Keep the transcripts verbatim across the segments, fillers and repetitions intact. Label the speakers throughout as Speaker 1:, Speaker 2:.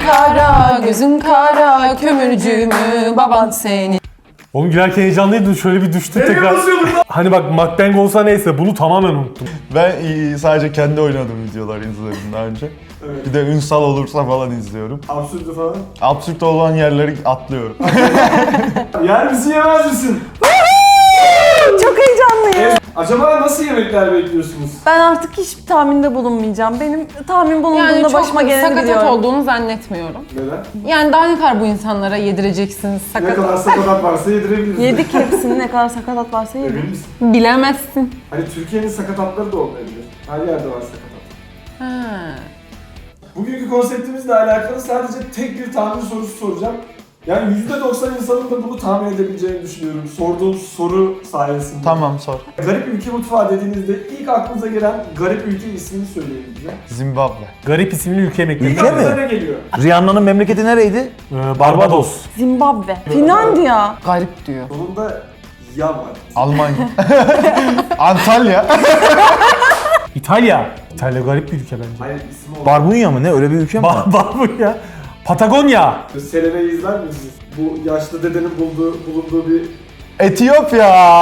Speaker 1: kara, gözün kara, kömürcü mü baban seni?
Speaker 2: Oğlum gülerken heyecanlıydın, şöyle bir düştü tekrar. Hani bak mukbang olsa neyse, bunu tamamen unuttum.
Speaker 3: Ben e, sadece kendi oynadığım videolar izledim daha önce.
Speaker 4: Evet.
Speaker 3: Bir de ünsal olursa falan izliyorum.
Speaker 4: Absürdü falan.
Speaker 3: Absürt olan yerleri atlıyorum.
Speaker 4: Yer misin yemez misin?
Speaker 5: Çok heyecanlıyım.
Speaker 4: Evet. Acaba nasıl yemekler bekliyorsunuz?
Speaker 5: Ben artık hiçbir tahminde bulunmayacağım. Benim tahmin bulunduğunda
Speaker 1: Yani çok
Speaker 5: başıma geleni
Speaker 1: sakatat
Speaker 5: biliyorum.
Speaker 1: olduğunu zannetmiyorum.
Speaker 4: Neden?
Speaker 1: Yani daha ne kadar bu insanlara yedireceksiniz
Speaker 4: Ne
Speaker 1: sakatat?
Speaker 4: kadar sakatat varsa yedirebiliriz.
Speaker 5: Yedik hepsini, ne kadar sakatat varsa yedik.
Speaker 4: Emin misin?
Speaker 1: Bilemezsin.
Speaker 4: Hani Türkiye'nin sakatatları da olmayabilir. Her yerde var sakatat.
Speaker 1: Ha.
Speaker 4: Bugünkü konseptimizle alakalı sadece tek bir tahmin sorusu soracağım. Yani yüzde doksan insanın da bunu tahmin edebileceğini düşünüyorum. Sorduğum soru sayesinde.
Speaker 3: Tamam, sor.
Speaker 4: Garip ülke mutfağı dediğinizde ilk aklınıza gelen garip ülke ismini söyleyin bize.
Speaker 3: Zimbabwe.
Speaker 2: Garip isimli ülke yemekleri.
Speaker 4: İlk
Speaker 6: Ülke
Speaker 4: aklınıza
Speaker 6: mi?
Speaker 4: ne geliyor?
Speaker 6: Rihanna'nın memleketi nereydi?
Speaker 2: Ee, Barbados.
Speaker 5: Zimbabwe, Finlandiya.
Speaker 1: Garip diyor.
Speaker 4: Sonunda ya var.
Speaker 3: Almanya. Antalya.
Speaker 2: İtalya. İtalya garip bir ülke bence.
Speaker 4: Hayır ismi olan.
Speaker 6: Barbunya mı ne? Öyle bir ülke mi var?
Speaker 2: Var, var bu ya. Patagonya.
Speaker 4: Selene'yi izler misiniz? Bu yaşlı dedenin bulduğu, bulunduğu bir...
Speaker 3: Etiyopya.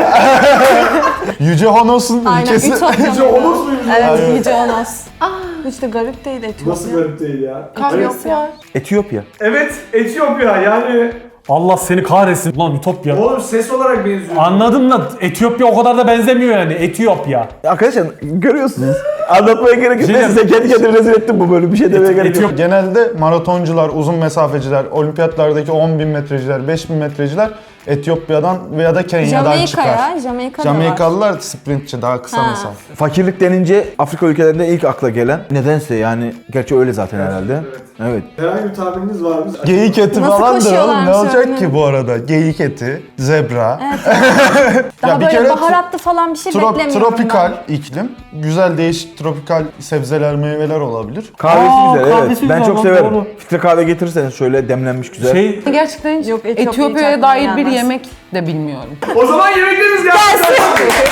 Speaker 3: Yüce Honos'un
Speaker 5: Aynen,
Speaker 3: ülkesi.
Speaker 5: Ütopya.
Speaker 4: Yüce Onos muymuş?
Speaker 5: Evet,
Speaker 3: Evet.
Speaker 5: Yüce Onos. Hiç de garip değil Etiyopya.
Speaker 4: Nasıl garip değil ya?
Speaker 1: Karyos var.
Speaker 6: Etiyopya.
Speaker 4: Evet, Etiyopya yani...
Speaker 2: Allah seni kahretsin. Ulan Ütopya.
Speaker 4: Oğlum ses olarak benziyor.
Speaker 2: Anladım da Etiyopya o kadar da benzemiyor yani. Etiyopya.
Speaker 6: Arkadaşlar görüyorsunuz. Anlatmaya gerek yok.
Speaker 2: Şey
Speaker 6: Ben size kendi kendime rezil ettim bu bölüm. Bir şey demeye gerek yok.
Speaker 2: Etiyop-
Speaker 3: Genelde maratoncular, uzun mesafeciler, olimpiyatlardaki on bin metreciler, beş bin metreciler Etiyopya'dan veya da Kenya'dan çıkar.
Speaker 5: Jamaika'ya, Jamaika'da var.
Speaker 3: Jamaikalılar sprintçi, daha kısa
Speaker 5: Ha.
Speaker 3: mesafe.
Speaker 6: Fakirlik denince Afrika ülkelerinde ilk akla gelen nedense yani gerçi öyle zaten herhalde.
Speaker 4: Evet.
Speaker 6: Evet.
Speaker 4: Herhangi bir tahmininiz var mı?
Speaker 3: Geyik eti
Speaker 5: Nasıl
Speaker 3: falandır oğlum, ne
Speaker 5: koşuyorlarmış
Speaker 3: olacak
Speaker 5: öyle?
Speaker 3: ki bu arada? Geyik eti, zebra.
Speaker 5: Daha
Speaker 3: Ya bir
Speaker 5: böyle
Speaker 3: kere
Speaker 5: baharatlı falan bir şey
Speaker 3: Trop-
Speaker 5: beklemiyorum
Speaker 3: tropikal iklim. Güzel değişik tropikal sebzeler, meyveler olabilir.
Speaker 6: Kahvesi
Speaker 2: Aa,
Speaker 6: güzel evet.
Speaker 2: kahvesi
Speaker 6: Ben
Speaker 2: güzel
Speaker 6: çok
Speaker 2: lan,
Speaker 6: severim.
Speaker 2: doğru.
Speaker 6: Filtre kahve getirirseniz şöyle demlenmiş güzel.
Speaker 2: Şey,
Speaker 1: Gerçekten hiç
Speaker 5: Yok, Etiyopya hiç
Speaker 1: Etiyopya'ya
Speaker 5: aklıma
Speaker 1: dair bir
Speaker 5: gelmez.
Speaker 1: yemek de bilmiyorum.
Speaker 4: O zaman yemeklerimiz gelsin.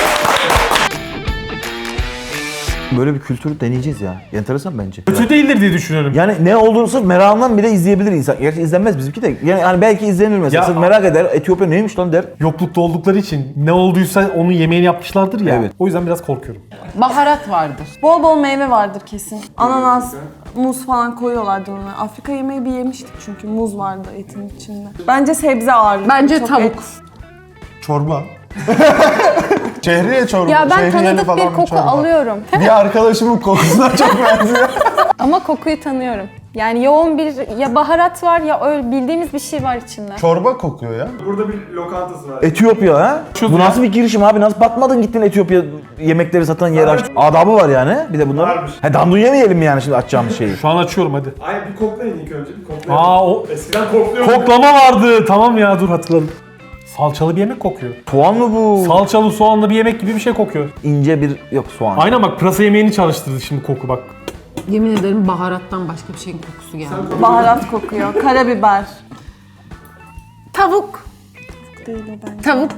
Speaker 6: Böyle bir kültürü deneyeceğiz ya. Enteresan bence.
Speaker 2: kötü değildir diye düşünüyorum.
Speaker 6: Yani ne olduğunu sırf merakından bile izleyebilir insan. Gerçi izlenmez bizimki de. Yani hani belki izlenir mesela.
Speaker 2: Ya-
Speaker 6: Sırf merak eder. Etiyopya neymiş lan der.
Speaker 2: Yoklukta oldukları için ne olduysa onun yemeğini yapmışlardır ya.
Speaker 6: Evet.
Speaker 2: O yüzden biraz korkuyorum.
Speaker 1: Baharat vardır.
Speaker 5: Bol bol meyve vardır kesin. Ananas, muz falan koyuyorlardı ona. Afrika yemeği bir yemiştik çünkü muz vardı etin içinde. Bence sebze ağırlıklı.
Speaker 1: Bence
Speaker 5: çok
Speaker 1: tavuk.
Speaker 5: et.
Speaker 3: Çorba. Şehriye çorba.
Speaker 7: Ya ben
Speaker 3: şehriyeli
Speaker 7: tanıdık
Speaker 3: falan
Speaker 7: bir koku
Speaker 3: çorba.
Speaker 7: alıyorum.
Speaker 3: Bir arkadaşımın kokusuna çok benziyor.
Speaker 7: Ama kokuyu tanıyorum. Yani yoğun bir ya baharat var ya öyle bildiğimiz bir şey var içinde.
Speaker 3: Çorba kokuyor ya.
Speaker 4: Burada bir lokantası var.
Speaker 6: Etiyopya ha?
Speaker 2: Şu
Speaker 6: Bu
Speaker 2: ya.
Speaker 6: nasıl bir girişim abi? Nasıl batmadın gittin Etiyopya yemekleri satan yer açtın? Adabı var yani bir de bunların.
Speaker 4: Varmış.
Speaker 6: He dandun yemeyelim mi yani şimdi açacağımız şeyi?
Speaker 2: Şu an açıyorum hadi.
Speaker 4: Ay bir koklayın ilk önce bir koklayın.
Speaker 2: Aa o
Speaker 4: Eskiden kokluyorduk.
Speaker 2: koklama vardı. Tamam ya, dur hatırladım. Salçalı bir yemek kokuyor.
Speaker 6: Soğan mı bu?
Speaker 2: Salçalı soğanlı bir yemek gibi bir şey kokuyor.
Speaker 6: İnce bir yok soğan.
Speaker 2: Aynen bak, pırasa yemeğini çalıştırdı şimdi koku bak.
Speaker 1: Yemin ederim baharattan başka bir şeyin kokusu geldi.
Speaker 5: Baharat kokuyor. Karabiber.
Speaker 1: Tavuk.
Speaker 5: Değil o bence.
Speaker 1: Tavuk.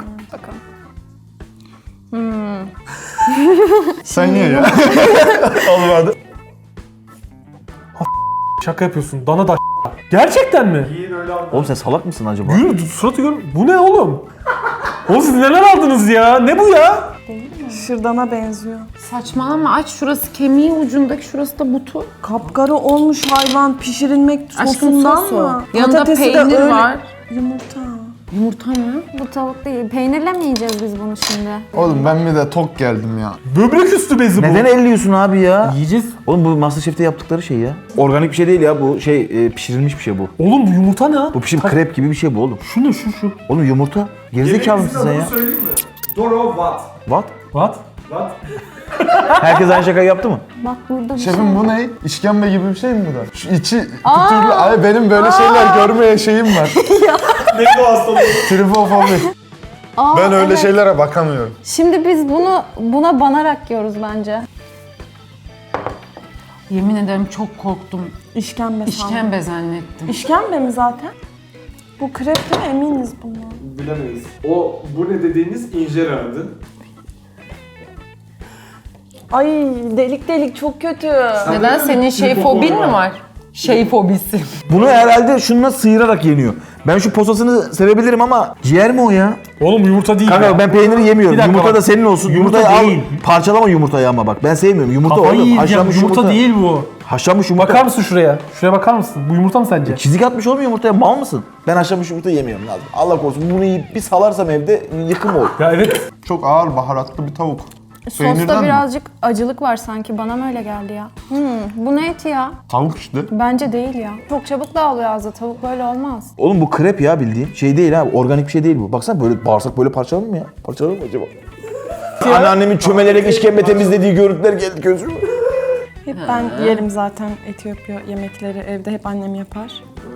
Speaker 3: Sen ye ya. Olmadı.
Speaker 2: Şaka yapıyorsun. Dana da gerçekten mi?
Speaker 4: Yiyin öyle anlatın.
Speaker 6: Oğlum sen salak mısın acaba?
Speaker 2: Yürü suratı gör. Bu ne oğlum? Oğlum siz neler aldınız ya? Ne bu ya?
Speaker 5: Şırdana benziyor.
Speaker 1: Saçmalama, aç, şurası kemiği ucundaki, şurası da butu.
Speaker 5: Kapkara olmuş hayvan pişirilmek
Speaker 1: Aşkım
Speaker 5: sosundan
Speaker 1: sosu.
Speaker 5: mı?
Speaker 1: Yanında
Speaker 5: Patatesi de
Speaker 1: peynir
Speaker 5: öyle.
Speaker 1: var.
Speaker 5: Yumurta.
Speaker 1: Yumurta mı?
Speaker 7: Bu tavuk değil. Peynirle mi yiyeceğiz biz bunu şimdi?
Speaker 3: Oğlum ben bir de tok geldim ya.
Speaker 2: Böbrek üstü bezi bu.
Speaker 6: Neden elliyorsun abi ya?
Speaker 2: Yiyeceğiz.
Speaker 6: Oğlum bu Masterchef'te yaptıkları şey ya. Organik bir şey değil ya bu şey e, pişirilmiş bir şey bu.
Speaker 2: Oğlum bu yumurta ne?
Speaker 6: Bu pişim krep gibi bir şey bu oğlum.
Speaker 2: Şu ne şu şu?
Speaker 6: Oğlum yumurta. Gerizekalı mısın sen
Speaker 4: Yemeğimizin
Speaker 6: ya?
Speaker 4: adını söyleyeyim mi? Doro Wat.
Speaker 6: What?
Speaker 2: What?
Speaker 4: What?
Speaker 6: Herkes aynı şakayı yaptı mı?
Speaker 7: Bak burada bir
Speaker 3: Şefim bu ne? İşkembe gibi bir şey mi bu da? Şu içi pütürlü. Ay benim böyle şeyler görmeye şeyim var.
Speaker 4: Ne bu hastalığı?
Speaker 3: Trifofobi.
Speaker 7: Aa,
Speaker 3: Ben öyle
Speaker 7: evet.
Speaker 3: şeylere bakamıyorum.
Speaker 7: Şimdi biz bunu buna banarak yiyoruz bence.
Speaker 1: Yemin ederim çok korktum.
Speaker 5: İşkembe sandım.
Speaker 1: İşkembe zannettim.
Speaker 5: İşkembe mi zaten? Bu krep değil mi? Eminiz bundan.
Speaker 4: Bilemeyiz. O bu ne dediğiniz injeradı.
Speaker 5: Ay delik delik çok kötü.
Speaker 1: Neden, senin şey
Speaker 4: Tripod
Speaker 1: fobin
Speaker 4: var.
Speaker 1: mi var? Şey fobisi.
Speaker 6: Bunu herhalde şununla sıyırarak yeniyor. Ben şu posasını sevebilirim ama ciğer mi o ya?
Speaker 2: Oğlum yumurta değil
Speaker 6: Kanka
Speaker 2: ya.
Speaker 6: ben peyniri yemiyorum.
Speaker 2: Bir dakika
Speaker 6: Yumurta
Speaker 2: bak.
Speaker 6: da senin olsun.
Speaker 2: Yumurta
Speaker 6: Yumurtayı
Speaker 2: değil.
Speaker 6: al. Parçalama yumurtayı ama bak. Ben sevmiyorum. Yumurta
Speaker 2: Kafayı
Speaker 6: oğlum.
Speaker 2: yiyeceğim.
Speaker 6: Haşlanmış
Speaker 2: Yumurta,
Speaker 6: yumurta.
Speaker 2: değil bu.
Speaker 6: Haşlanmış yumurta.
Speaker 2: Bakar mısın şuraya? Şuraya bakar mısın? Bu yumurta mı sence?
Speaker 6: Çizik atmış oğlum yumurtaya. Mal mısın? Ben haşlanmış yumurta yemiyorum lazım. Allah korusun bunu yiyip bir salarsam evde yıkım olur.
Speaker 2: Ya evet.
Speaker 3: Çok ağır baharatlı bir tavuk. Peynirden
Speaker 7: Sosta
Speaker 3: mi?
Speaker 7: birazcık acılık var sanki. Bana mı öyle geldi ya? Hmm, bu ne eti ya?
Speaker 3: Tavuk işte.
Speaker 7: Bence değil ya. Çok çabuk dağılıyor ağızda. Tavuk böyle olmaz.
Speaker 6: Oğlum bu krep ya bildiğin. Şey değil ha. Organik bir şey değil bu. Baksana böyle bağırsak böyle parçalanır mı ya? Parçalanır mı acaba? Anneannemin çömelerek işkembe temizlediği görüntüler geldi gözüme.
Speaker 5: Hep ben yerim zaten Etiyopya yemekleri. Evde hep annem yapar.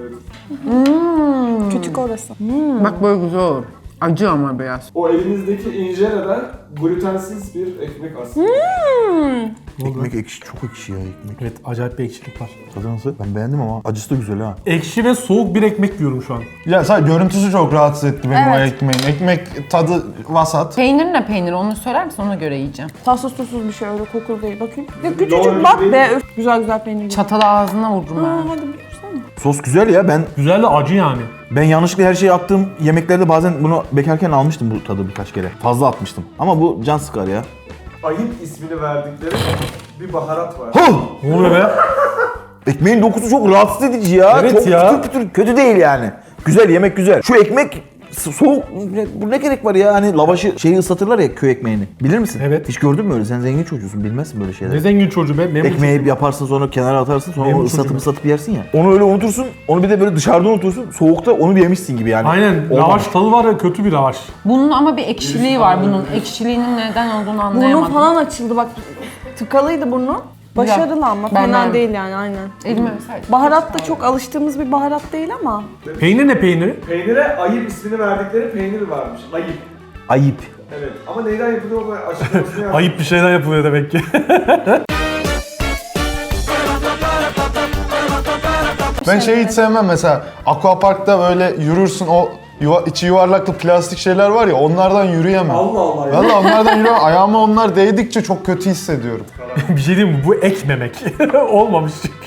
Speaker 5: Küçük orası.
Speaker 1: Bak böyle güzel olur. Acı ama biraz.
Speaker 4: O elinizdeki injereden glutensiz bir ekmek aslında.
Speaker 6: Ekmek ekşi. Çok ekşi ya ekmek.
Speaker 2: Evet acayip bir ekşilik var.
Speaker 6: Tadı nasıl? Ben beğendim ama acısı da güzel ha.
Speaker 2: Ekşi ve soğuk bir ekmek yiyorum şu an.
Speaker 3: Ya sadece görüntüsü çok rahatsız etti beni o
Speaker 7: Evet.
Speaker 3: ekmeğin. Ekmek tadı vasat.
Speaker 1: Peynir ne peynir onu söyler misin, ona göre yiyeceğim.
Speaker 5: Tatsız tuzsuz bir şey, öyle kokulu değil. Bakayım. Ya
Speaker 4: Doğru
Speaker 5: küçücük bak
Speaker 4: değil
Speaker 5: be.
Speaker 4: mi?
Speaker 5: Üf, güzel güzel peynir gibi.
Speaker 1: Çatalı ağzına vururum
Speaker 5: Aa,
Speaker 1: ben.
Speaker 5: hadi bir dursana.
Speaker 6: Sos güzel ya. Ben
Speaker 2: Güzel de acı yani.
Speaker 6: ben yanlışlıkla her şeyi attığım yemeklerde bazen bunu bekarken almıştım bu tadı birkaç kere. Fazla atmıştım. Ama bu can sıkar ya.
Speaker 4: Ayıp ismini verdikleri bir baharat var.
Speaker 6: Huh!
Speaker 2: Ne oluyor be?
Speaker 6: Ekmeğin dokusu çok rahatsız edici ya.
Speaker 2: Evet
Speaker 6: çok
Speaker 2: ya.
Speaker 6: pütür pütür kötü değil yani. Güzel yemek güzel. Şu ekmek so- soğuk, ne- bu ne gerek var ya? Hani lavaşı şeyi ıslatırlar ya köy ekmeğini. Bilir misin?
Speaker 2: Evet.
Speaker 6: Hiç gördün mü öyle? Sen zengin çocuğusun bilmezsin böyle şeyleri.
Speaker 2: Ne zengin çocuğu be. Memur
Speaker 6: Ekmeği yaparsın sonra kenara atarsın sonra
Speaker 2: Memur
Speaker 6: onu ıslatıp
Speaker 2: çocuğum.
Speaker 6: ıslatıp yersin ya. Onu öyle unutursun. Onu bir de böyle dışarıda unutursun. Soğukta onu bir yemişsin gibi yani.
Speaker 2: Aynen.
Speaker 6: Olmamış.
Speaker 2: Lavaş tadı var ya, kötü bir lavaş.
Speaker 1: Bunun ama bir ekşiliği var bunun. Ekşiliğinin neden olduğunu
Speaker 5: Burnum
Speaker 1: anlayamadım.
Speaker 5: falan açıldı bak. Tıkalıydı burnu. Başarılı ama
Speaker 1: Ben
Speaker 5: fena
Speaker 1: beğendim.
Speaker 5: değil yani aynen.
Speaker 1: Elime öpseydim.
Speaker 5: Baharat da çok alıştığımız bir baharat değil ama.
Speaker 2: Peynir ne peyniri?
Speaker 4: Peynire ayıp ismini verdikleri peynir varmış. Ayıp.
Speaker 6: Ayıp.
Speaker 4: Evet. Ama neyden yapılıyor o açıklamasını yap.
Speaker 2: Ayıp bir şeyden yapılıyor demek ki.
Speaker 3: Ben şeyi hiç sevmem mesela. Aquapark'ta böyle yürürsün o yuva, içi yuvarlaklı plastik şeyler var ya onlardan yürüyemem.
Speaker 4: Allah Allah ya.
Speaker 3: Valla onlardan yürüyemem. Ayağıma onlar değdikçe çok kötü hissediyorum.
Speaker 2: Bir şey diyeyim mi? Bu ekmemek. Olmamış çünkü.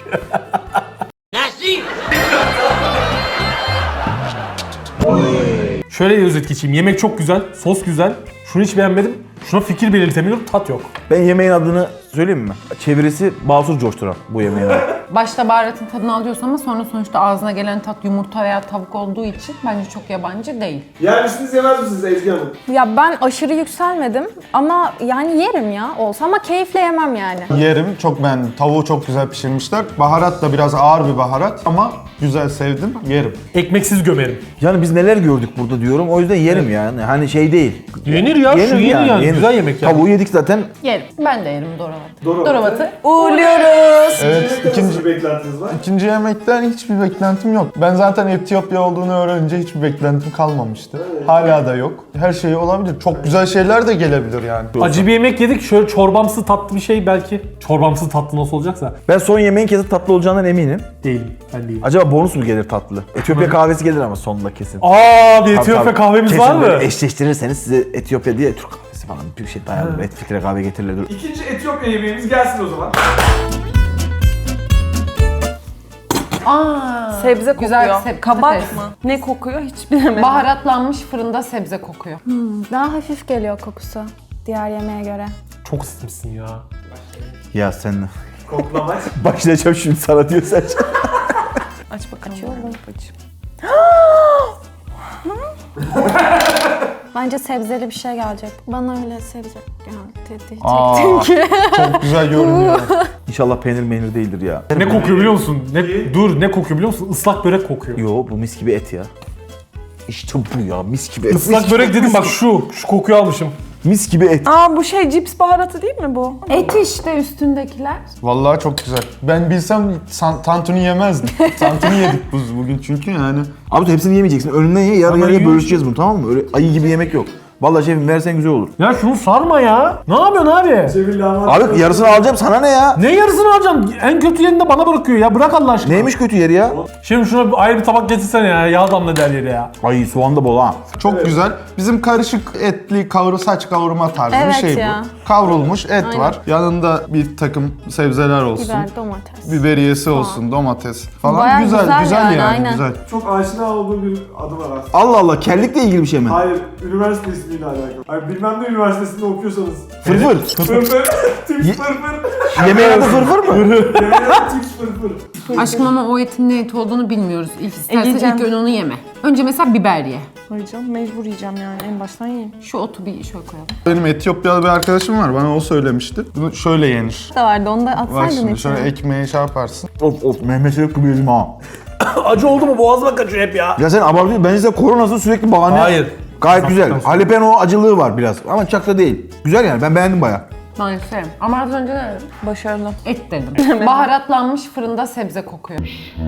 Speaker 2: Şöyle özet geçeyim. Yemek çok güzel, sos güzel. Şunu hiç beğenmedim. Şuna fikir belirtemiyorum, tat yok.
Speaker 6: Ben yemeğin adını söyleyeyim mi? Çevirisi Basur Coşturan bu yemeğin adı.
Speaker 1: Başta baharatın tadını alıyorsun ama sonra sonuçta ağzına gelen tat yumurta veya tavuk olduğu için bence çok yabancı değil.
Speaker 4: Yer misiniz yemez misiniz Ezgi Hanım?
Speaker 7: Ya ben aşırı yükselmedim ama yani yerim ya olsa ama keyifle yemem yani.
Speaker 3: Yerim çok beğendim. Tavuğu çok güzel pişirmişler. Baharat da biraz ağır bir baharat ama güzel sevdim. Yerim.
Speaker 2: Ekmeksiz gömerim.
Speaker 6: Yani biz neler gördük burada diyorum. O yüzden yerim yani. Hani şey değil.
Speaker 2: Yenir ya, şu yenir yani. Güzel yemek yani.
Speaker 6: Tavuğu yedik zaten.
Speaker 1: Yerim. Ben de yerim Doravat'ı.
Speaker 4: Doravat'ı.
Speaker 1: Doravat'ı.
Speaker 5: Uğurluyoruz.
Speaker 3: Evet,
Speaker 4: İkinci,
Speaker 3: ikinci,
Speaker 4: nasıl bir beklentiniz var?
Speaker 3: ikinci yemekten hiçbir beklentim yok. Ben zaten Etiyopya olduğunu öğrenince hiçbir beklentim kalmamıştı. Hala da yok. Her şey olabilir. Çok güzel şeyler de gelebilir yani.
Speaker 2: Acı bir yemek yedik. Şöyle çorbamsı tatlı bir şey belki. Çorbamsı tatlı nasıl olacaksa.
Speaker 6: Ben son yemeğin kesin tatlı olacağından eminim.
Speaker 2: Değilim. Ben değilim.
Speaker 6: Acaba bonus mu gelir tatlı? Etiyopya kahvesi gelir ama sonunda kesin.
Speaker 2: Aa, bir
Speaker 6: Tabii,
Speaker 2: Etiyopya
Speaker 6: tabii.
Speaker 2: kahvemiz
Speaker 6: Kesin
Speaker 2: var mı?
Speaker 6: böyle eşleştirirseniz size Etiyopya diye Türk kahvesi falan bir şey dayanır. Et filtre kahve getirirler.
Speaker 4: İkinci Etiyopya yemeğimiz gelsin o zaman.
Speaker 1: Aa,
Speaker 5: Sebze kokuyor.
Speaker 1: Güzel seb-
Speaker 5: Kabak
Speaker 1: patates.
Speaker 5: mı? Ne kokuyor hiç bilemedim.
Speaker 1: baharatlanmış fırında sebze kokuyor.
Speaker 7: Daha hafif geliyor kokusu diğer yemeğe göre.
Speaker 2: Çok ısıtmışsın ya.
Speaker 6: Ya sen
Speaker 4: Koklamaç.
Speaker 6: başlayacağım şimdi sana diyor sen.
Speaker 5: Aç bakalım. Açıyorum.
Speaker 7: Bence sebzeli bir şey gelecek. Bana öyle sebze geldi diyecektim
Speaker 6: Aa.
Speaker 7: ki.
Speaker 3: Çok güzel görünüyor.
Speaker 6: İnşallah peynir meynir değildir ya.
Speaker 2: Ne kokuyor biliyor musun? Ne, dur ne kokuyor biliyor musun? Islak börek kokuyor.
Speaker 6: Yo bu mis gibi et ya. İşte bu ya mis gibi et.
Speaker 2: Islak börek dedim bak şu. Şu kokuyu almışım.
Speaker 6: Mis gibi et.
Speaker 5: Aa bu şey cips baharatı değil mi bu?
Speaker 1: Et işte üstündekiler.
Speaker 3: Vallahi çok güzel. Ben bilsem san- tantuni yemezdim. Tantuni yedik biz bugün çünkü yani.
Speaker 6: Abi hepsini yemeyeceksin. Önünden ye yarı
Speaker 2: Ama
Speaker 6: yarıya
Speaker 2: yiyorsun.
Speaker 6: bölüşeceğiz bunu tamam mı? Öyle ayı gibi yemek yok. Vallahi şefim versen güzel olur.
Speaker 2: Ya şunu sarma ya. Ne yapıyorsun abi?
Speaker 4: Cemil lahmacun.
Speaker 6: Abi yarısını alacağım, sana ne ya?
Speaker 2: Ne yarısını alacaksın? En kötü yerini de bana bırakıyor ya. Bırak Allah aşkına.
Speaker 6: Neymiş kötü yeri ya?
Speaker 2: Şimdi şuna bir ayrı bir tabak getirsene ya. Yağ damla der yeri ya.
Speaker 6: Ay soğan da bol ha.
Speaker 3: Çok güzel. Bizim karışık etli kavru saç kavurma tarzı
Speaker 7: Evet
Speaker 3: bir şey
Speaker 7: ya.
Speaker 3: bu. Kavrulmuş et
Speaker 7: Aynen.
Speaker 3: var. Yanında bir takım sebzeler olsun.
Speaker 7: Biber, domates.
Speaker 3: Biberiyesi olsun, domates falan.
Speaker 7: Bayağı
Speaker 3: güzel,
Speaker 7: güzel
Speaker 3: güzel,
Speaker 7: yani,
Speaker 3: yani,
Speaker 7: aynen.
Speaker 3: güzel.
Speaker 4: Çok aşina olduğum bir adı var aslında.
Speaker 6: Allah Allah, kellikle ilgili bir şey mi?
Speaker 4: Hayır, üniversite ismiyle alakalı. Hayır, bilmem ne üniversitesinde okuyorsanız.
Speaker 6: Fırfır.
Speaker 4: Fırfır, tips fırfır.
Speaker 6: Yemeğin adı fırfır mı?
Speaker 4: Yemeğin adı tips fırfır.
Speaker 1: Aşkım ama o etin ne eti olduğunu bilmiyoruz. İlk istersen
Speaker 5: yiyeceğim.
Speaker 1: ilk ön onu yeme. Önce mesela biber ye.
Speaker 5: Koyacağım, mecbur yiyeceğim yani en baştan yiyeyim.
Speaker 1: Şu otu bir şöyle koyalım.
Speaker 3: Benim Etiyopyalı bir arkadaşım var. Bana o söylemişti. Bunu şöyle yenir.
Speaker 7: Da vardı onu da
Speaker 3: Bak
Speaker 7: atsaydın
Speaker 3: şimdi
Speaker 7: içine.
Speaker 3: şöyle ekmeğe şey yaparsın.
Speaker 6: Of of, Mehmet Şerif gibi yedim ha.
Speaker 2: Acı oldu mu boğazıma kaçıyor hep ya.
Speaker 6: Ya sen abartıyorsun, bence size koronası sürekli bahane.
Speaker 2: Hayır.
Speaker 6: Gayet güzel.
Speaker 2: Sakın.
Speaker 6: Jalapeno acılığı var biraz ama çok da değil. Güzel yani, ben beğendim bayağı.
Speaker 1: Maalesef. Ama az önce ne dedim?
Speaker 5: Başarılı.
Speaker 1: Et dedim. Baharatlanmış fırında sebze kokuyor.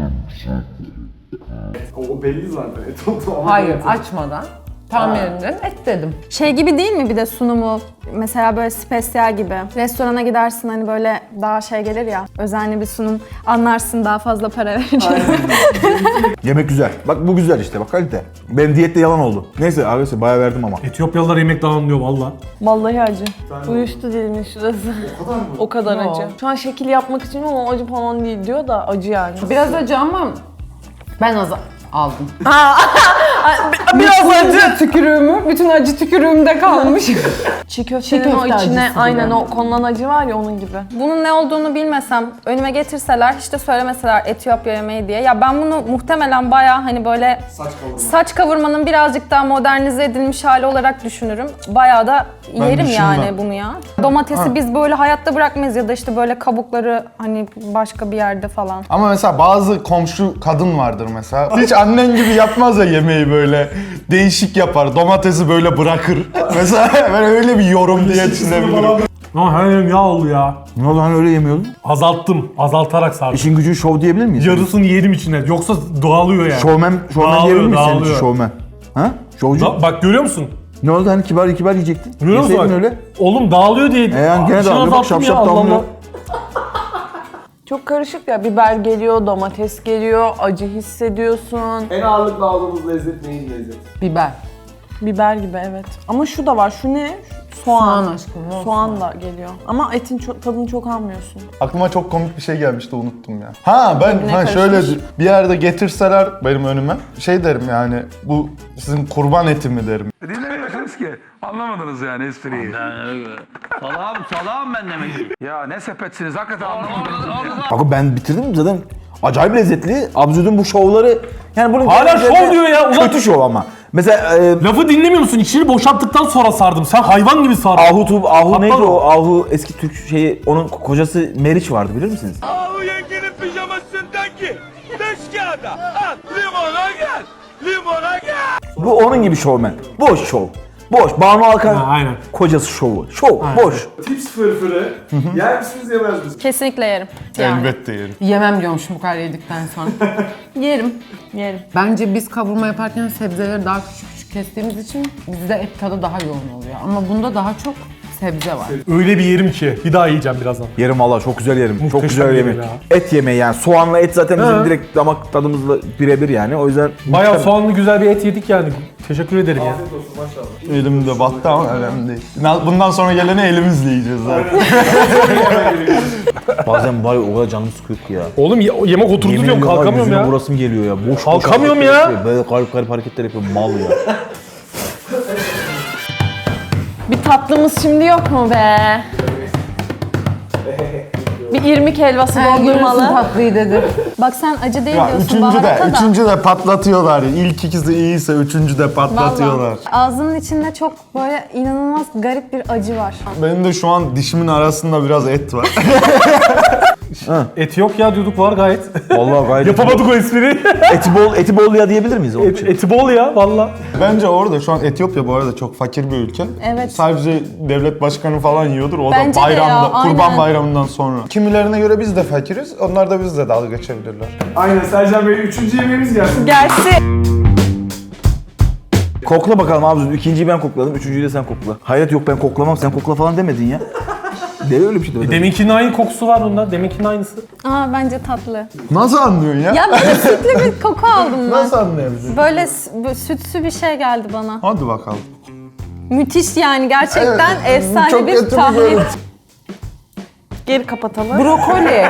Speaker 4: O belli zaten et oldu ama.
Speaker 1: Hayır, açmadan. Tahminimden et dedim.
Speaker 7: Şey gibi değil mi bir de sunumu? Mesela böyle spesiyel gibi. Restorana gidersin hani böyle daha şey gelir ya. Özenli bir sunum. Anlarsın daha fazla para vereceğini.
Speaker 6: Yemek güzel. Bak bu güzel işte, bak kalite. Benim diyette yalan oldu. Neyse arkadaşlar bayağı verdim ama.
Speaker 2: Etiyopyalılar yemek anlıyor valla.
Speaker 5: Vallahi acı. Uyuştu dilimin şurası.
Speaker 4: O kadar mı?
Speaker 5: O kadar
Speaker 1: Yo.
Speaker 5: acı. Şu an şekil yapmak için ama acı falan değil diyor da acı yani.
Speaker 1: Biraz acı ama ben az aldım.
Speaker 5: Biraz
Speaker 1: acı tükürüğümü, bütün acı tükürüğümde kalmış.
Speaker 5: Çiğ köftenin
Speaker 1: Çiğ
Speaker 5: o
Speaker 1: köfte
Speaker 5: içine
Speaker 1: acısı
Speaker 5: aynen
Speaker 1: gibi.
Speaker 5: o konulan acı var ya onun gibi.
Speaker 7: Bunun ne olduğunu bilmesem, önüme getirseler, işte söylemeseler Etiyopya yemeği diye. Ya ben bunu muhtemelen bayağı hani böyle
Speaker 4: Saç kavurma.
Speaker 7: saç kavurmanın birazcık daha modernize edilmiş hali olarak düşünürüm. Bayağı da yerim
Speaker 3: düşünmem.
Speaker 7: yani bunu ya. Domatesi biz böyle hayatta bırakmayız ya da işte böyle kabukları hani başka bir yerde falan.
Speaker 3: Ama mesela bazı komşu kadın vardır mesela. Hiç annen gibi yapmaz ya yemeği böyle. Değişik yapar. Domatesi böyle bırakır. Mesela ben öyle bir yorum diye düşünebilirim.
Speaker 2: Ama her yerim yağ oldu ya.
Speaker 6: Ne oldu, hani öyle yemiyordun?
Speaker 2: Azalttım. Azaltarak sardım.
Speaker 6: İşin gücü şov diyebilir miyiz?
Speaker 2: Yarısını yedim içine. Yoksa dağılıyor yani.
Speaker 6: Şovmen, şovmen
Speaker 2: Dağılıyor,
Speaker 6: diyebilir miyiz senin için
Speaker 2: dağılıyor.
Speaker 6: şovmen? Ha? Şovcu?
Speaker 2: Da- bak görüyor musun?
Speaker 6: Ne oldu, hani kibar kibar yiyecektin?
Speaker 2: Görüyor musun
Speaker 6: Yeseydin
Speaker 2: bak?
Speaker 6: öyle.
Speaker 2: Oğlum dağılıyor diye.
Speaker 6: E yani gene
Speaker 2: İçine
Speaker 6: dağılıyor. Bak
Speaker 2: azalttım
Speaker 6: şap
Speaker 2: ya,
Speaker 6: şap
Speaker 2: Allah
Speaker 6: damlıyor.
Speaker 2: Allah.
Speaker 5: Çok karışık ya. Biber geliyor, domates geliyor, acı hissediyorsun.
Speaker 4: En ağırlıklı aldığımız lezzet neyin lezzeti?
Speaker 1: Biber.
Speaker 5: Biber gibi evet. Ama şu da var. Şu ne? Soğan.
Speaker 1: Soğan aşkım, o
Speaker 5: Soğan da geliyor. Ama etin çok, tadını çok almıyorsun.
Speaker 3: Aklıma çok komik bir şey gelmişti, unuttum ya. Ha ben
Speaker 5: Birbirine
Speaker 3: ha şöyle
Speaker 5: karışmış.
Speaker 3: bir yerde getirseler benim önüme şey derim yani, bu sizin kurban eti mi derim.
Speaker 8: Dinlemiyorsunuz ki. Anlamadınız yani espriyi.
Speaker 9: Salağım, salağım ben demek ki.
Speaker 8: Ya ne sepetsiniz hakikaten anlamadınız.
Speaker 6: Bak ben bitirdim zaten. Acayip lezzetli. Absürdün bu şovları. Yani bunun
Speaker 2: Hala
Speaker 6: gerçekten
Speaker 2: şov diyor ya, ulan.
Speaker 6: Kötü şov ama. Mesela e,
Speaker 2: Lafı dinlemiyor musun? İçini boşalttıktan sonra sardım. Sen hayvan gibi sardın.
Speaker 6: Ahu Tub, Ahu
Speaker 2: Aptal
Speaker 6: neydi
Speaker 2: o.
Speaker 6: o? Ahu eski Türk şeyi, onun kocası Meriç vardı, bilir misiniz?
Speaker 9: Ahu yengenin pijamasından ki. Dış kağıda. Al limona gel. Limona gel.
Speaker 6: Bu onun gibi şovmen. Boş şov. Boş. Banu Alkan
Speaker 2: Ha, aynen.
Speaker 6: kocası şovu. Şov,
Speaker 2: Aynen.
Speaker 6: boş.
Speaker 4: Tips fırfırı yer misiniz yemez misiniz?
Speaker 7: Kesinlikle yerim. Yani.
Speaker 3: Elbette yerim.
Speaker 1: Yemem diyormuşum bu kadar yedikten sonra.
Speaker 7: Yerim.
Speaker 5: Yerim.
Speaker 1: Bence biz kavurma yaparken sebzeleri daha küçük küçük kestiğimiz için bizde et tadı daha yoğun oluyor. Ama bunda daha çok sebze var.
Speaker 2: Öyle bir yerim ki. Bir daha yiyeceğim birazdan.
Speaker 6: Yerim valla, çok güzel yerim. çok
Speaker 2: Muhteşem
Speaker 6: güzel
Speaker 2: yerim
Speaker 6: yemek.
Speaker 2: ya.
Speaker 6: Et yemeği yani. Soğanla et zaten bizim
Speaker 2: Ha.
Speaker 6: direkt damak tadımızla birebir yani. O yüzden
Speaker 2: Bayağı soğanlı güzel bir et yedik yani. Teşekkür ederim ya.
Speaker 4: Afiyet olsun maşallah.
Speaker 3: Elimde battı ama önemli değil. Bundan sonra geleni elimizle yiyeceğiz zaten.
Speaker 6: bazen var ya, o kadar canım sıkıyor ki ya.
Speaker 2: Oğlum ye- yemek oturdu
Speaker 6: Yemin
Speaker 2: diyorum,
Speaker 6: ediyorum var,
Speaker 2: kalkamıyorum
Speaker 6: yüzüme
Speaker 2: ya.
Speaker 6: vurasım geliyor ya. Boş boş
Speaker 2: Kalkamıyorum
Speaker 6: hareketler
Speaker 2: ya.
Speaker 6: yapıyor. Böyle garip garip hareketler yapıyor, mal ya.
Speaker 5: Bir tatlımız şimdi yok mu be? Bir irmik helvası
Speaker 1: Görürsün
Speaker 5: dondurmalı.
Speaker 1: tatlıyı dedi.
Speaker 7: Bak sen acı değil
Speaker 3: Ya
Speaker 7: diyorsun
Speaker 3: üçüncü de,
Speaker 7: baharata da.
Speaker 3: üçüncü de patlatıyorlar. İlk ikisi iyiyse üçüncü de patlatıyorlar.
Speaker 7: Vallahi. Ağzının içinde çok böyle inanılmaz garip bir acı var.
Speaker 3: Benim de şu an dişimin arasında biraz et var.
Speaker 2: Et yok ya diyorduk, var gayet.
Speaker 6: Vallahi gayet
Speaker 2: Yapamadık o espriyi.
Speaker 6: eti bol, eti bol ya diyebilir miyiz onun
Speaker 2: Et,
Speaker 6: için?
Speaker 2: eti bol ya valla.
Speaker 3: Bence orada şu an Etiyopya bu arada çok fakir bir ülke.
Speaker 7: Evet.
Speaker 3: Sadece devlet başkanı falan yiyordur. O
Speaker 7: Bence
Speaker 3: da
Speaker 7: de ya,
Speaker 3: bayramda,
Speaker 7: aynen.
Speaker 3: kurban bayramından sonra. Kimilerine göre biz de fakiriz. Onlar da bizle dalga geçebilirler.
Speaker 4: Aynen Sercan Bey üçüncü yemeğimiz gelsin.
Speaker 5: Gelsin.
Speaker 6: Kokla bakalım abi. İkinciyi ben kokladım, üçüncüyü de sen kokla. Hayret yok ben koklamam, sen kokla falan demedin ya. De öyle bir şey demedin.
Speaker 2: Deminkinin aynı kokusu var bunda. Deminkinin aynısı.
Speaker 7: Aa bence tatlı.
Speaker 3: Nasıl anlıyorsun ya?
Speaker 7: Ya böyle sütlü bir koku aldım ben.
Speaker 3: Nasıl anlayabilirsin?
Speaker 7: Böyle, s- böyle sütsü bir şey geldi bana.
Speaker 3: Hadi bakalım.
Speaker 7: Müthiş yani gerçekten
Speaker 3: Evet,
Speaker 7: efsane
Speaker 3: çok
Speaker 7: bir
Speaker 3: kötü bir
Speaker 7: tahlil.
Speaker 3: görüntü.
Speaker 5: Geri kapatalım.
Speaker 1: Brokoli.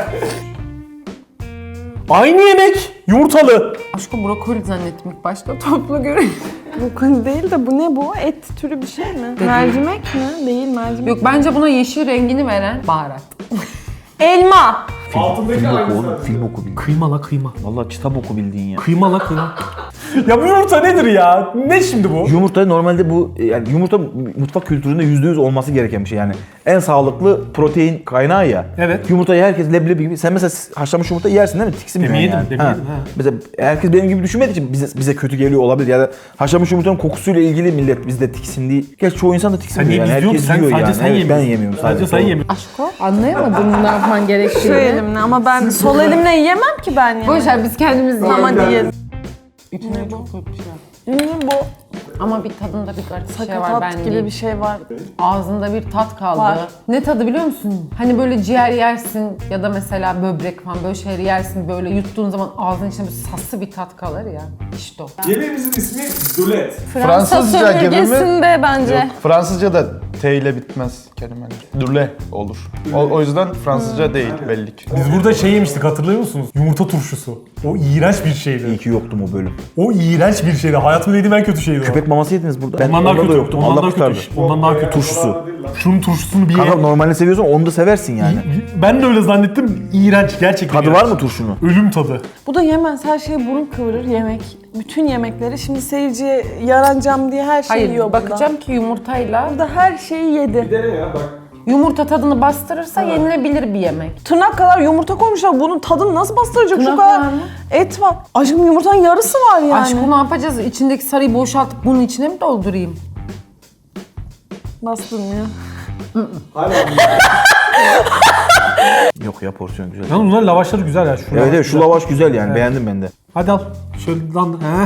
Speaker 2: Aynı yemek. Yumurtalı.
Speaker 1: Aşkım brokoli zannettim ilk başta. Toplu görünüyor.
Speaker 5: Brokoli değil de bu ne bu? Et türü bir şey mi? Mercimek mi? Değil mercimek.
Speaker 1: Yok bence buna yeşil rengini veren baharat.
Speaker 5: Elma.
Speaker 4: Altındaki
Speaker 6: Film oku
Speaker 4: aynısı.
Speaker 6: oğlum, film oku bildin.
Speaker 2: Kıyma la kıyma.
Speaker 6: Vallahi kitap oku bildiğin ya.
Speaker 2: Kıyma la kıyma. Ya bu yumurta nedir ya? Ne şimdi bu?
Speaker 6: Yumurta normalde bu yani yumurta mutfak kültüründe yüzde yüz olması gereken bir şey yani. En sağlıklı protein kaynağı ya.
Speaker 2: Evet.
Speaker 6: Yumurtayı herkes leblebi gibi. Sen mesela haşlanmış yumurta yersin değil mi? Tiksinmiyorsun
Speaker 2: Demin yedim,
Speaker 6: yani.
Speaker 2: demin
Speaker 6: Ha.
Speaker 2: yedim, ha.
Speaker 6: Mesela herkes benim gibi düşünmediği için bize, bize kötü geliyor olabilir. Ya da haşlanmış yumurtanın kokusuyla ilgili millet bizde tiksindiği. Gerçi çoğu insan da
Speaker 2: Sen
Speaker 6: tiksinmiyor
Speaker 2: niye
Speaker 6: yani.
Speaker 2: biz diyorsun?
Speaker 6: Herkes
Speaker 2: Sen
Speaker 6: yiyor
Speaker 2: sadece
Speaker 6: yani.
Speaker 2: sen
Speaker 6: Evet,
Speaker 2: yemiyorsun.
Speaker 6: ben yemiyorum sadece.
Speaker 2: Sadece sen
Speaker 6: Doğru.
Speaker 2: yemiyorsun.
Speaker 1: Aşko anlayamadın ne yapman gerektiğini.
Speaker 5: Şu elimle ama ben sol elimle yiyemem ki ben yani.
Speaker 1: Boş ver biz kendimiz
Speaker 5: Ama
Speaker 1: yiyelim.
Speaker 5: diyelim.
Speaker 1: İçine çok kötü bir şey.
Speaker 5: Ne bu?
Speaker 1: Ama bir tadında bir garip bir şey var
Speaker 5: Sakatat
Speaker 1: ben
Speaker 5: gibi
Speaker 1: değil.
Speaker 5: bir şey var.
Speaker 1: Ağzında bir tat kaldı.
Speaker 5: Var.
Speaker 1: Ne tadı biliyor musun? Hani böyle ciğer yersin ya da mesela böbrek falan böyle şeyleri yersin böyle yuttuğun zaman ağzının içinde bir sassı bir tat kalır ya. İşte o.
Speaker 4: Yemeğimizin ismi dulet.
Speaker 7: Fransa
Speaker 3: Fransızca gibi mi?
Speaker 7: sömürgesinde bence.
Speaker 3: Yok, Fransızca da T ile bitmez kelimeler. Dürle olur. O, o yüzden Fransızca değil belli ki.
Speaker 2: Biz burada şey yemiştik hatırlıyor musunuz? Yumurta turşusu. O iğrenç bir
Speaker 6: İyi
Speaker 2: şeydi.
Speaker 6: ki yoktum o bölüm.
Speaker 2: O iğrenç bir şeydi. Hayatımda yediğim en kötü şeydi o.
Speaker 6: Köpek maması yediniz burada. Ben
Speaker 2: Ondan daha
Speaker 6: onda da
Speaker 2: kötü.
Speaker 6: yoktum.
Speaker 2: Ondan
Speaker 6: Allah
Speaker 2: daha
Speaker 6: kurtardı.
Speaker 2: kötü. Ondan daha kötü.
Speaker 6: Turşusu.
Speaker 2: Şunun turşusunu bir ye.
Speaker 6: Kanka normalde seviyorsan onu da seversin yani.
Speaker 2: Ben de öyle zannettim. İğrenç. Gerçekten
Speaker 6: Tadı
Speaker 2: iğrenç.
Speaker 6: var mı turşunun?
Speaker 2: Ölüm tadı.
Speaker 5: Bu da yemez. Her şeye burun kıvırır yemek. Bütün yemekleri şimdi seyirciye yaranacağım diye her şeyi
Speaker 1: Hayır
Speaker 5: yiyor burada.
Speaker 1: bakacağım ki yumurtayla
Speaker 5: Burada her şeyi yedi.
Speaker 4: Dene ya bak.
Speaker 1: yumurta tadını bastırırsa yenilebilir bir yemek.
Speaker 5: Tırnak kadar yumurta koymuşlar. Bunun tadını nasıl bastıracak? Şu
Speaker 1: Tırnak
Speaker 5: kadar
Speaker 1: var mı?
Speaker 5: et var. Aşkım yumurtanın yarısı var yani.
Speaker 1: Aşkım ne yapacağız? İçindeki sarıyı boşaltıp bunun içine mi doldurayım?
Speaker 5: Bastırmıyor.
Speaker 4: Hala
Speaker 6: Yok ya porsiyon güzel.
Speaker 2: Yalnız bunların lavaşları güzel ya. Şu
Speaker 6: Evet
Speaker 2: lavaş
Speaker 6: evet şu
Speaker 2: güzel.
Speaker 6: lavaş güzel yani beğendim ben de.
Speaker 2: Hadi al. Şöyle lan. He.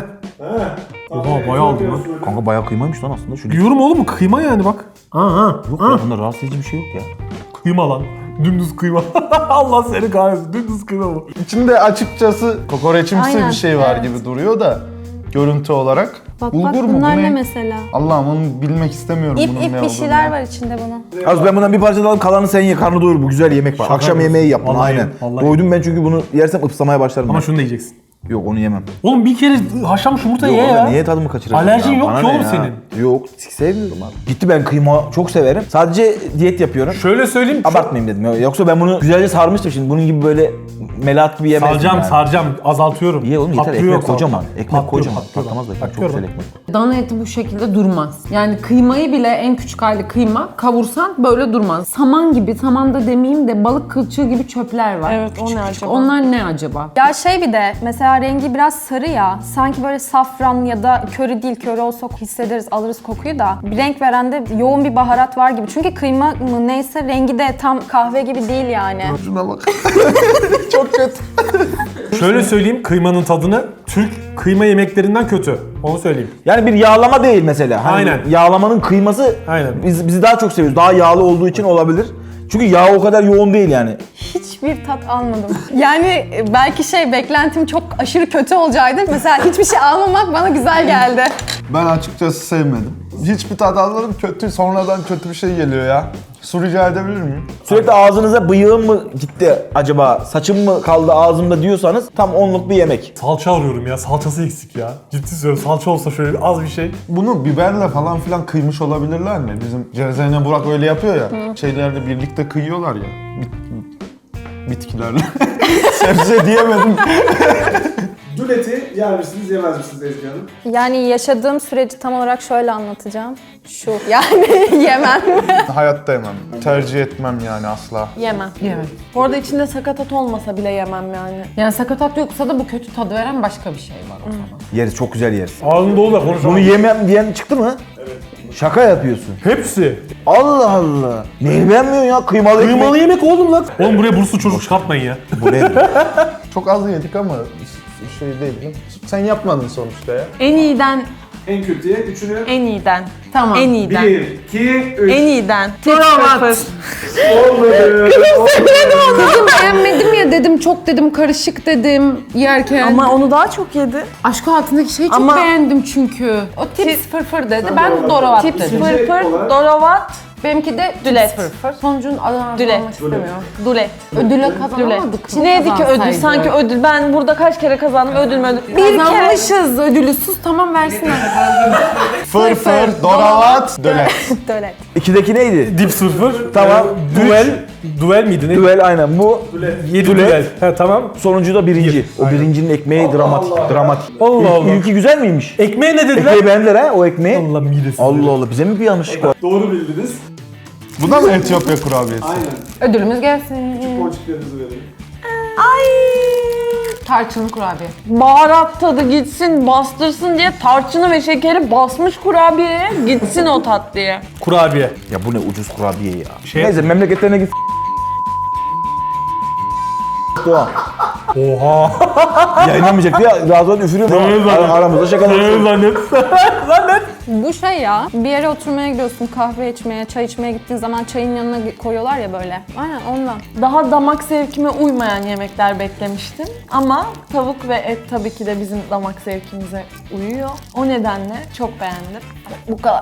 Speaker 2: Oha bayağı aldım lan.
Speaker 6: Kanka bayağı kıymaymış lan aslında. Şu
Speaker 2: Diyorum oğlum kıyma yani bak. Aha.
Speaker 6: Yok ya bunda rahatsız edici bir şey yok ya.
Speaker 2: Kıyma lan. Dümdüz kıyma. Allah seni kahretsin. Dümdüz kıyma bu.
Speaker 3: İçinde açıkçası kokoreçimsi
Speaker 7: Aynen,
Speaker 3: bir şey var
Speaker 7: evet.
Speaker 3: gibi duruyor da görüntü olarak.
Speaker 7: Bak
Speaker 3: Bulgur
Speaker 7: bak
Speaker 3: mu?
Speaker 7: bunlar
Speaker 3: Bu
Speaker 7: ne
Speaker 3: ne?
Speaker 7: mesela?
Speaker 3: Allah'ım onu bilmek istemiyorum
Speaker 7: İp
Speaker 3: bunun
Speaker 7: ip
Speaker 3: ne
Speaker 7: bir
Speaker 3: olduğunu.
Speaker 7: şeyler var içinde bunun.
Speaker 6: Az ben bundan bir parça da alıp kalanı sen ye karnı doyur bu güzel yemek var.
Speaker 2: Şaka
Speaker 6: Akşam
Speaker 2: yapıyorsun.
Speaker 6: yemeği yap bunu
Speaker 2: Vallahi
Speaker 6: aynen.
Speaker 2: yerim, vallahi
Speaker 6: Doydum ben çünkü bunu yersem ıpsamaya başlarım.
Speaker 2: Ama
Speaker 6: ben.
Speaker 2: şunu da yiyeceksin.
Speaker 6: Yok onu yemem.
Speaker 2: Oğlum bir kere haşlanmış yumurta ye
Speaker 6: Yok,
Speaker 2: ya.
Speaker 6: niye tadımı kaçırıyorsun?
Speaker 2: Alerjin
Speaker 6: ya?
Speaker 2: yok
Speaker 6: Bana
Speaker 2: ki
Speaker 6: ne
Speaker 2: oğlum
Speaker 6: ya?
Speaker 2: senin.
Speaker 6: Yok sevmiyorum abi. Gitti ben kıyma çok severim. Sadece diyet yapıyorum.
Speaker 2: Şöyle söyleyeyim.
Speaker 6: Abartmayayım dedim. Yoksa ben bunu güzelce sarmıştım şimdi. Bunun gibi böyle melat gibi yemezdim
Speaker 2: Saracağım
Speaker 6: yani.
Speaker 2: saracağım azaltıyorum.
Speaker 6: İyi oğlum yeter
Speaker 2: Patlıyor
Speaker 6: ekmek
Speaker 2: yoksa.
Speaker 6: kocaman. Ekmek
Speaker 2: Patlıyor,
Speaker 6: kocaman.
Speaker 2: patlıyor.
Speaker 6: Patlamaz da ekmek çok
Speaker 2: Patlıyorum.
Speaker 6: güzel ekmek.
Speaker 1: Dana eti bu şekilde durmaz. Yani kıymayı bile en küçük hali kıyma kavursan böyle durmaz. Saman gibi, saman da demeyeyim de balık kılçığı gibi çöpler var.
Speaker 5: Evet, o
Speaker 1: Küçük
Speaker 5: ne
Speaker 1: küçük.
Speaker 5: acaba?
Speaker 1: Onlar ne acaba?
Speaker 7: Ya şey bir de mesela rengi biraz sarı ya. Sanki böyle safran ya da köri değil, köri olsa hissederiz, alırız kokuyu da. Bir renk veren de yoğun bir baharat var gibi. Çünkü kıyma mı neyse rengi de tam kahve gibi değil yani.
Speaker 3: Şuna bak. Çok kötü.
Speaker 2: Şöyle söyleyeyim kıymanın tadını Türk kıyma yemeklerinden kötü. Onu söyleyeyim.
Speaker 6: Yani bir yağlama değil mesela. Hani
Speaker 2: Aynen.
Speaker 6: Yağlamanın kıyması
Speaker 2: Aynen.
Speaker 6: biz bizi daha çok seviyoruz. Daha yağlı olduğu için olabilir. Çünkü yağ o kadar yoğun değil yani.
Speaker 7: Hiçbir tat almadım. Yani belki şey beklentim çok aşırı kötü olacaktı. Mesela hiçbir şey almamak bana güzel geldi.
Speaker 3: Ben açıkçası sevmedim. Hiçbir tat almadım. Kötü, sonradan kötü bir şey geliyor ya. Su rica edebilir miyim?
Speaker 6: Sürekli ağzınıza bıyığım mı gitti acaba, saçım mı kaldı ağzımda diyorsanız tam onluk bir yemek.
Speaker 2: Salça arıyorum ya. Salçası eksik ya. Ciddi söylüyorum. Salça olsa şöyle az bir şey.
Speaker 3: Bunu biberle falan filan kıymış olabilirler mi? Bizim Cezene Burak öyle yapıyor ya. Şeylerle birlikte kıyıyorlar ya. Bit- bitkilerle. Sebze diyemedim.
Speaker 4: duleti yer misiniz yemez misiniz Ezgi Hanım?
Speaker 7: Yani yaşadığım süreci tam olarak şöyle anlatacağım. Şu yani yemem.
Speaker 3: Hayatta yemem. Tercih etmem yani asla.
Speaker 5: Yemem.
Speaker 1: Evet.
Speaker 5: Bu arada içinde sakatat olmasa bile yemem yani.
Speaker 1: Yani sakatat yoksa da bu kötü tadı veren başka bir şey var o zaman.
Speaker 6: Yeriz, çok güzel yeriz.
Speaker 2: Ağzın dolu da konuşamam.
Speaker 6: Bunu yemem diyen çıktı mı? Evet. Şaka yapıyorsun.
Speaker 2: Hepsi.
Speaker 6: Allah Allah. Neyi beğenmiyorsun ya? Kıymalı ekmek.
Speaker 2: Kıymalı yemek oğlum lan. Oğlum buraya burslu çocuk çıkartmayın ya.
Speaker 6: Bu nedir?
Speaker 3: Çok az yedik ama şey değil mi? Sen yapmadın sonuçta ya.
Speaker 5: En iyiden
Speaker 4: En kötüye, üçünü.
Speaker 5: En iyiden.
Speaker 1: Tamam.
Speaker 5: En iyiden.
Speaker 4: Bir, iki, üç.
Speaker 5: En iyiden.
Speaker 1: Kravat.
Speaker 4: Olmadı.
Speaker 1: Kızım beğenmedim ya dedim, çok dedim, karışık dedim yerken.
Speaker 5: Ama onu daha çok yedi.
Speaker 1: Aşk altındaki şeyi çok
Speaker 5: Ama-
Speaker 1: beğendim çünkü. O tips fırfır dedi, ben doravat
Speaker 5: Tips
Speaker 1: dedim.
Speaker 5: fırfır,
Speaker 4: olarak-
Speaker 5: doravat,
Speaker 1: Benimki de
Speaker 5: Dület.
Speaker 1: tips fırfır. Sonucun adını
Speaker 5: Dület.
Speaker 1: almak istemiyorum.
Speaker 5: dulet.
Speaker 1: Ödüle
Speaker 5: Dület.
Speaker 1: kazanamadık. Kim
Speaker 5: Neydi ki ödül?
Speaker 1: kazansaydı?
Speaker 5: Sanki ödül. Ben burada kaç kere kazandım ödül mü ödül? Bir kere.
Speaker 1: Kazanmışız ödülü. Sus, tamam versinler.
Speaker 3: Fırfır, doravat, dölet.
Speaker 5: Dölet.
Speaker 6: İkideki neydi?
Speaker 2: Dip sıfır.
Speaker 6: Tamam.
Speaker 2: Ee, duel. Duel miydi? Ne?
Speaker 6: Düvel aynen bu.
Speaker 2: Yedi
Speaker 6: Düel.
Speaker 2: duel. Ha tamam.
Speaker 6: Sonuncu da birinci. O birincinin ekmeği dramatik. Dramatik.
Speaker 2: Allah
Speaker 6: İlk-
Speaker 2: Allah.
Speaker 6: İlki güzel miymiş?
Speaker 2: Ekmeğe ne dediler?
Speaker 6: Ekmeği beğendiler ha o ekmeği.
Speaker 2: Allah midesi.
Speaker 6: Allah Allah bize mi bir yanlışlık var?
Speaker 4: Doğru bildiniz.
Speaker 3: Bu da mı Etiyopya kurabiyesi?
Speaker 4: Aynen.
Speaker 1: Ödülümüz gelsin.
Speaker 4: Ponçiklerinizi verelim.
Speaker 5: Ay.
Speaker 1: Tarçınlı kurabiye.
Speaker 5: Baharat tadı gitsin, bastırsın diye tarçını ve şekeri basmış kurabiyeye, gitsin o tat diye.
Speaker 2: Kurabiye.
Speaker 6: Ya bu ne ucuz kurabiye ya.
Speaker 2: Şey-
Speaker 6: Neyse memleketlerine git. Doğa.
Speaker 2: Oha.
Speaker 6: Yayınlamayacak diye Razvan üfürüyor.
Speaker 2: Evet,
Speaker 6: Ar-
Speaker 2: zannet.
Speaker 6: Aramızda şakalaşıyoruz.
Speaker 2: zannet.
Speaker 7: Bu şey ya, bir yere oturmaya gidiyorsun, kahve içmeye, çay içmeye gittiğin zaman çayın yanına koyuyorlar ya böyle. Aynen ondan.
Speaker 5: Daha damak zevkime uymayan yemekler beklemiştim. Ama tavuk ve et tabii ki de bizim damak zevkimize uyuyor. O nedenle çok beğendim. Bu kadar.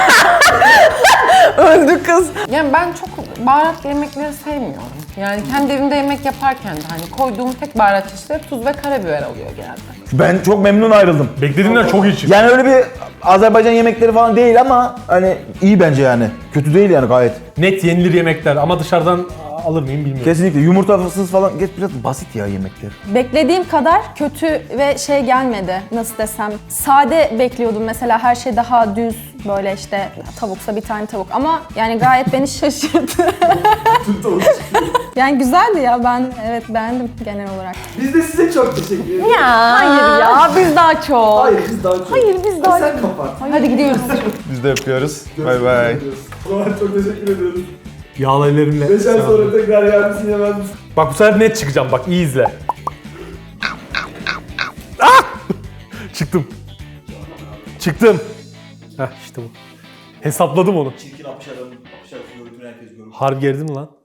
Speaker 5: Öldü kız.
Speaker 1: Yani ben çok baharatlı yemekleri sevmiyorum. Yani kendi evimde yemek yaparken de hani koyduğum tek baharat çeşitleri tuz ve karabiber oluyor genelde.
Speaker 6: Ben çok memnun ayrıldım.
Speaker 2: Beklediğimden çok iyi çıktı.
Speaker 6: Yani öyle bir Azerbaycan yemekleri falan değil ama hani iyi bence yani. Kötü değil yani gayet.
Speaker 2: Net yenilir yemekler ama dışarıdan alır mıyım bilmiyorum.
Speaker 6: Kesinlikle yumurtasız falan geç biraz basit ya yemekler.
Speaker 7: Beklediğim kadar kötü ve şey gelmedi. Nasıl desem, sade bekliyordum mesela, her şey daha düz böyle işte tavuksa bir tane tavuk ama yani gayet beni şaşırttı. Yani güzeldi ya, ben evet beğendim genel olarak.
Speaker 4: Biz de size çok teşekkür ederiz.
Speaker 5: Ya. Hayır ya, biz daha çok.
Speaker 4: Hayır biz daha çok.
Speaker 5: Hayır biz daha
Speaker 4: Sen kapat.
Speaker 1: Hadi gidiyoruz.
Speaker 3: Biz de yapıyoruz. Bay bay.
Speaker 4: Ulan çok teşekkür ediyoruz.
Speaker 2: Yağlı ellerimle.
Speaker 4: Beş ay sonra tekrar yer misin yemez misin?
Speaker 2: Bak bu sefer net çıkacağım bak iyi izle. Ah! Çıktım. Çıktım. Heh işte bu. Hesapladım onu.
Speaker 6: Çirkin apışarım, apışarım görüntünü herkes görür.
Speaker 2: Harbi gerdim lan.